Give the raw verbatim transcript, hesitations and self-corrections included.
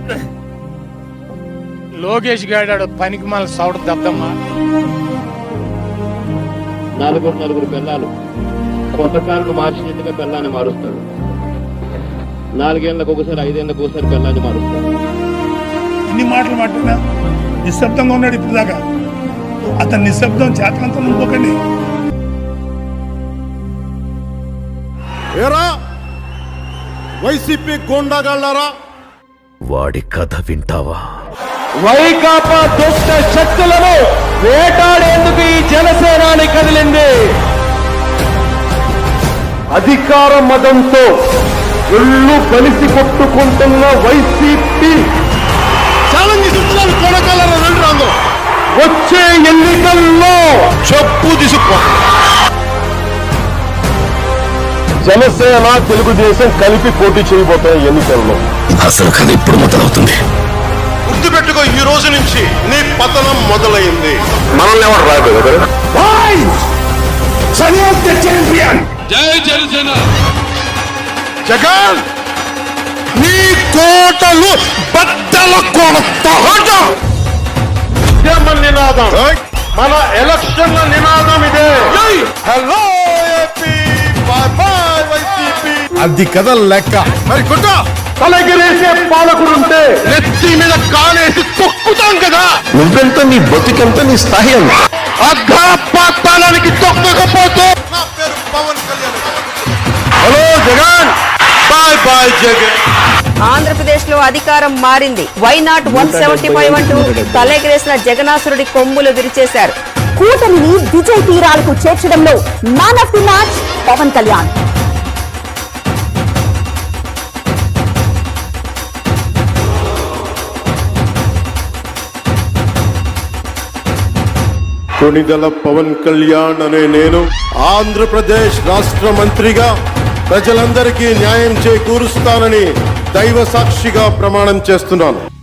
లోకేష్ గాడాడు పనికి మళ్ళీ సౌడ దద్దమ్మా. నలుగురు నలుగురు పిల్లలు కొత్త కారును మార్చినట్టుగా పిల్లాన్ని మారుస్తాడు. నాలుగేళ్లకు ఒకసారి ఐదేళ్లకు ఒకసారి పిల్లాన్ని మారుస్తాడు. ఇన్ని మాటలు మాట్లాడినా నిశ్శబ్దంగా ఉన్నాడు ఇప్పుడు దాకా. అతని నిశ్శబ్దం చేతనంతా నువ్వుకండి. ఏరా వైసీపీ గోండాగాళ్ళారా, వాడి కథ వింటావా? వైకాపా దుష్ట శక్తులను వేటాడేందుకు ఈ జనసేనాని కదిలింది. అధికార మదంతో ఒళ్ళు కలిసి కొట్టుకుంటున్న వైసీపీ ఛాలెంజ్ ఇస్తున్నాను. కొనకాలను రెండు రంగు వచ్చే ఎన్నికల్లో చెప్పు తీసుకో. జనసేన తెలుగుదేశం కలిపి పోటీ చేయబోతున్న ఎన్నికల్లో అసలు కథ ఇప్పుడు మొదలవుతుంది. గుర్తుపెట్టుకో, ఈ రోజు నుంచి నీ పతనం మొదలైంది. మనల్ని ఎవరు రాబోయే జై జనసేన. జగన్ నీ కోటలు బద్దల కొడతా. నినాదం మన ఎలక్షన్ల నినాదం ఇదే. Hello AP, bye bye YCP. అది కదా లెక్క. మరి కొట్ట తలగిరేసే పాలకుడుంటే నెత్తి మీద కాలేసి తొక్కుతాం కదా. నువ్వెంత, నీ బతికెంత, నీ స్థాయి ఎంత? అగ్రపాతాళానికి తొక్కకపోతే నా పేరు Pawan Kalyan. Hello Jagan, bye bye Jagan. Andhra Pradesh లో అధికారం మారింది. Why not one seventy five అంటూ తలెగిరేసిన జగనాసురుడి కొమ్ములు విరిచేశారు. కూటమిని విజయ్ తీరాలకు చేర్చడంలో man of the match Pawan Kalyan. Konidela Pawan Kalyan అనే నేను ఆంధ్రప్రదేశ్ రాష్ట్ర మంత్రిగా ప్రజలందరికీ న్యాయం చేకూరుస్తానని దైవ సాక్షిగా ప్రమాణం చేస్తున్నాను.